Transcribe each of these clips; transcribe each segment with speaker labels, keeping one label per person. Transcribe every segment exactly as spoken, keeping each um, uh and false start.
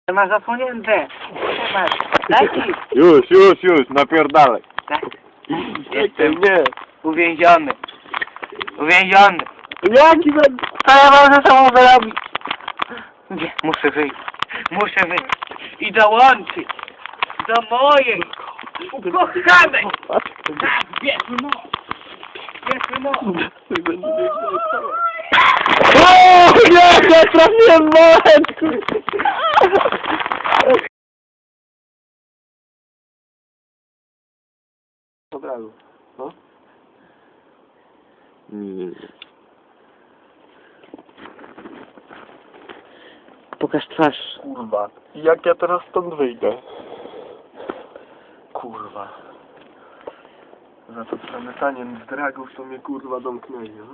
Speaker 1: Masz zasłonięte. Masz. Daj ci.
Speaker 2: Już, już, już, napierdalaj.
Speaker 1: Tak. Jestem
Speaker 2: nie.
Speaker 1: uwięziony. Uwięziony.
Speaker 2: Jaki będę?
Speaker 1: Co ja mam ze sobą zrobić? Nie, muszę wyjść. Muszę wyjść. I dołączyć do mojej ukochanej. Tak, bierzmy moc. Bierzmy moc.
Speaker 2: O nie, ja trafiłem w moment! Od razu, no? Nie, nie, nie.
Speaker 1: Pokaż twarz.
Speaker 2: Kurwa, jak ja teraz stąd wyjdę? Kurwa. Za to przemycanie z dragów to mnie kurwa domknęli, no?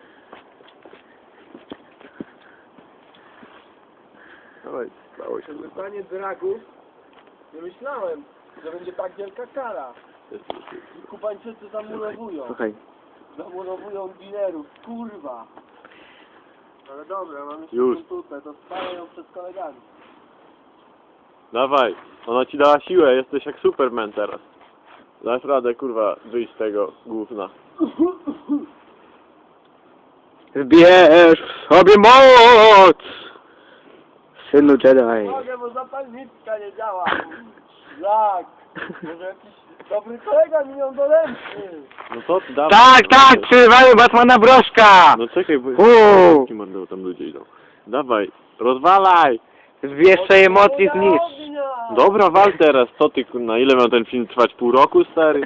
Speaker 2: Dawaj, stało się.
Speaker 3: Przemycanie dragów, nie myślałem, że będzie tak wielka kara. Kubańczycy zamurowują,
Speaker 1: Słuchaj.
Speaker 3: zamurowują dinerów, kurwa. Ale dobra, mam jeszcze
Speaker 2: Już.
Speaker 3: tutaj, to spalę ją przed kolegami.
Speaker 2: Dawaj, ona ci dała siłę, jesteś jak Superman teraz. Dasz radę, kurwa, wyjść z tego gówna.
Speaker 1: Zbierz w sobie moc! Synu Jedi.
Speaker 3: Mogę, bo zapalniczka nie działa. Jak? Może jakiś dobry kolega mi ją dolęczy.
Speaker 2: No to ty dawaj.
Speaker 1: Tak, tak, przerywamy Batmana Broszka!
Speaker 2: No czekaj, bo...
Speaker 1: Uuu.
Speaker 2: Kim będą tam ludzie idą? Dawaj, rozwalaj!
Speaker 1: Zbierz swoje moc i zniszcz.
Speaker 2: Dobra, wal teraz, co ty, kurna, ile miał ten film trwać? Pół roku, stary?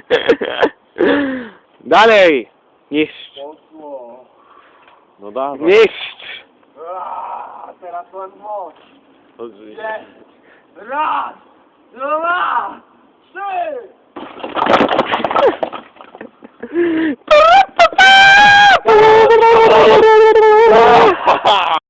Speaker 1: Dalej! Niszcz.
Speaker 3: Poszło.
Speaker 2: No dawaj.
Speaker 1: Niszcz!
Speaker 3: Aaa, teraz mam moc.
Speaker 2: To-
Speaker 3: Raz, dwa,